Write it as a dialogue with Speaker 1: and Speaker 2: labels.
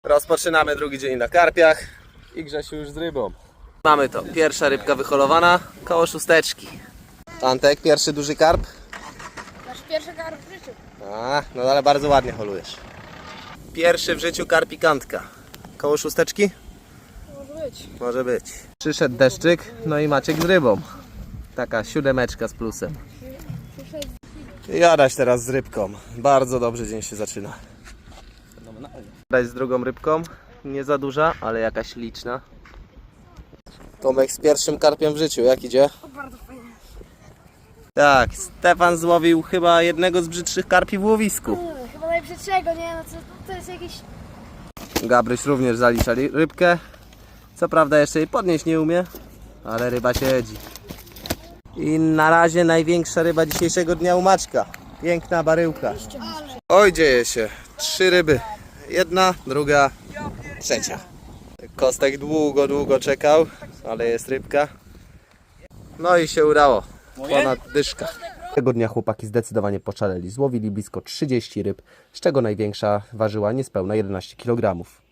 Speaker 1: Rozpoczynamy drugi dzień na karpiach i Grzesiu już z rybą. Mamy to, pierwsza rybka wyholowana, koło szósteczki. Antek, pierwszy duży karp?
Speaker 2: Nasz pierwszy karp w życiu.
Speaker 1: No ale bardzo ładnie holujesz. Pierwszy w życiu karpikantka. Koło szósteczki?
Speaker 2: Może być.
Speaker 1: Może być. Przyszedł deszczyk, no i Maciek z rybą. Taka 7 z plusem. I Adaś teraz z rybką. Bardzo dobrze dzień się zaczyna. Adaś z drugą rybką. Nie za duża, ale jakaś liczna. Tomek z pierwszym karpiem w życiu. Jak idzie?
Speaker 2: Bardzo fajnie.
Speaker 1: Tak, Stefan złowił chyba jednego z brzydszych karpi w łowisku.
Speaker 2: Chyba najbrzydszego, nie? No to jest jakiś...
Speaker 1: Gabryś również zalicza rybkę. Co prawda jeszcze jej podnieść nie umie, ale ryba siedzi. I na razie największa ryba dzisiejszego dnia u Maćka. Piękna baryłka. Oj, dzieje się. 3 ryby. Jedna, druga, trzecia. Kostek długo czekał, ale jest rybka. No i się udało. Ponad dyszka. Tego dnia chłopaki zdecydowanie poszaleli. Złowili blisko 30 ryb, z czego największa ważyła niespełna 11 kg.